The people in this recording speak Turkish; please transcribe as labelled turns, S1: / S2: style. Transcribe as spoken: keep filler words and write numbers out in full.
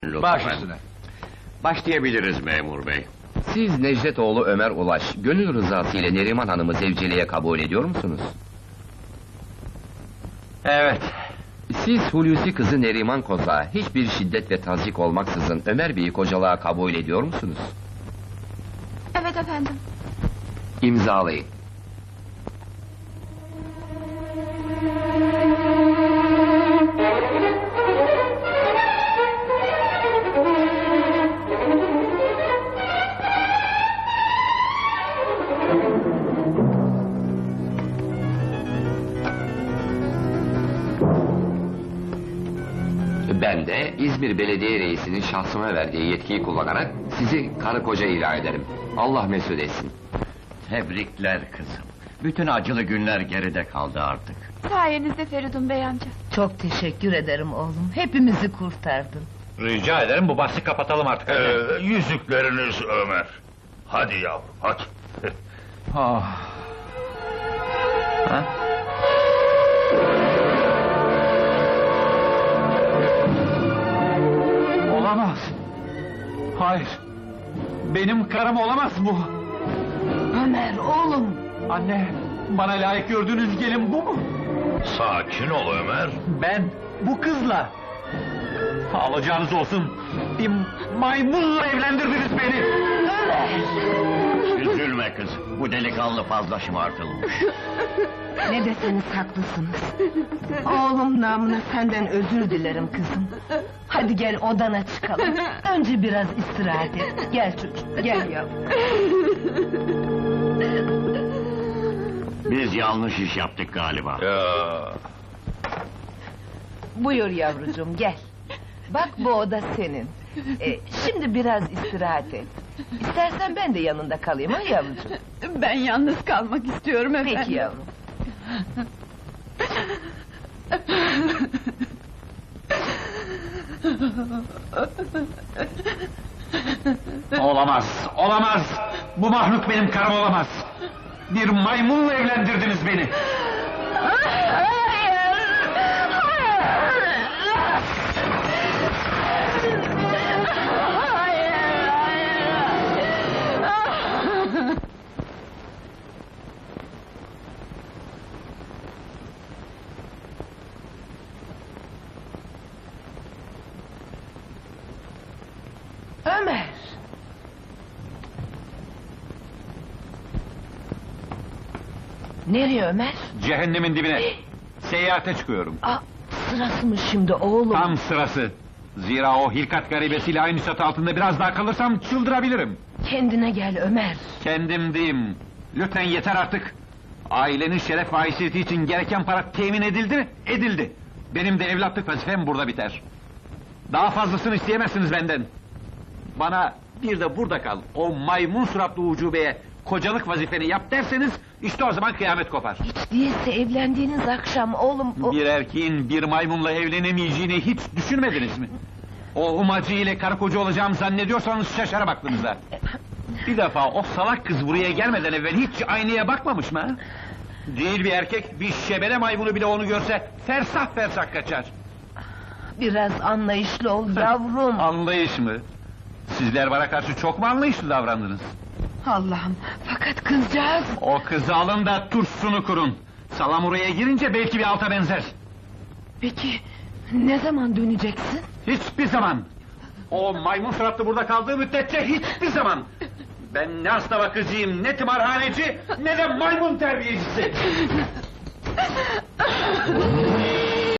S1: Baş üstüne.
S2: Başlayabiliriz memur bey.
S3: Siz Necdetoğlu Ömer Ulaş, gönül rızası ile Neriman Hanım'ı zevceliğe kabul ediyor musunuz?
S1: Evet.
S3: Siz Hulusi kızı Neriman Koz'a hiçbir şiddet ve tazyik olmaksızın Ömer Bey'i kocalığa kabul ediyor musunuz?
S4: Evet efendim.
S3: İmzalayın. Ben de İzmir Belediye Reisi'nin şahsıma verdiği yetkiyi kullanarak sizi karı koca ilan ederim. Allah mesut etsin.
S2: Tebrikler kızım. Bütün acılı günler geride kaldı artık.
S4: Sayenizde Feridun Bey amca.
S5: Çok teşekkür ederim oğlum. Hepimizi kurtardın.
S1: Rica ederim bu bahsi kapatalım artık. Hadi.
S6: Ee, yüzükleriniz Ömer. Hadi yavrum, hadi.
S1: Ah. Ha? Olamaz. Hayır. Benim karım olamaz bu.
S5: Ömer oğlum.
S1: Anne, bana layık gördüğünüz gelin bu mu?
S6: Sakin ol Ömer.
S1: Ben bu kızla. Alacağınız olsun. Bir maymunla evlendirdiniz beni.
S2: Üzülme kız. Bu delikanlı fazla şımartılmış.
S5: Ne deseniz haklısınız. Oğlum namına senden özür dilerim kızım. Hadi gel odana çıkalım. Önce biraz istirahat et. Gel çocuk, gel yavrum.
S2: Biz yanlış iş yaptık galiba.
S6: Ya.
S5: Buyur yavrucuğum, gel. Bak bu oda senin. Ee, şimdi biraz istirahat et. İstersen ben de yanında kalayım ha yavrucuğum.
S4: Ben yalnız kalmak istiyorum efendim.
S5: Peki yavrum.
S1: Olamaz, olamaz! Bu mahluk benim karım olamaz! Bir maymunla evlendirdiniz beni!
S5: Ömer! Nereye Ömer?
S1: Cehennemin dibine! Seyahate çıkıyorum.
S5: Aa, sırası mı şimdi oğlum?
S1: Tam sırası! Zira o hilkat garibesiyle aynı çatı altında biraz daha kalırsam çıldırabilirim!
S5: Kendine gel Ömer.
S1: Kendim diyeyim! Lütfen yeter artık! Ailenin şeref ve haysiyeti için gereken para temin edildi mi? Edildi! Benim de evlatlık vazifem burada biter. Daha fazlasını isteyemezsiniz benden! Bana bir de burada kal, o maymun suratlı ucubeye kocalık vazifeni yap derseniz, işte o zaman kıyamet kopar.
S5: Hiç değilse evlendiğiniz akşam oğlum... O...
S1: Bir erkeğin bir maymunla evlenemeyeceğini hiç düşünmediniz mi? O umacı ile karı koca olacağımı zannediyorsanız şaşarım aklınıza. Bir defa o salak kız buraya gelmeden evvel hiç aynaya bakmamış mı ha? Değil bir erkek, bir şebele maymunu bile onu görse fersah fersah kaçar.
S5: Biraz anlayışlı ol yavrum.
S1: Anlayış mı? Sizler bana karşı çok mu anlayışlı davrandınız?
S5: Allah'ım, fakat kızcağız...
S1: O kızı alın da turşusunu kurun. Salamuraya girince belki bir alta benzer.
S5: Peki, ne zaman döneceksin?
S1: Hiçbir zaman! O maymun suratlı burada kaldığı müddetçe hiçbir zaman! Ben ne hasta bakıcıyım, ne tımarhaneci, ne de maymun terbiyecisi!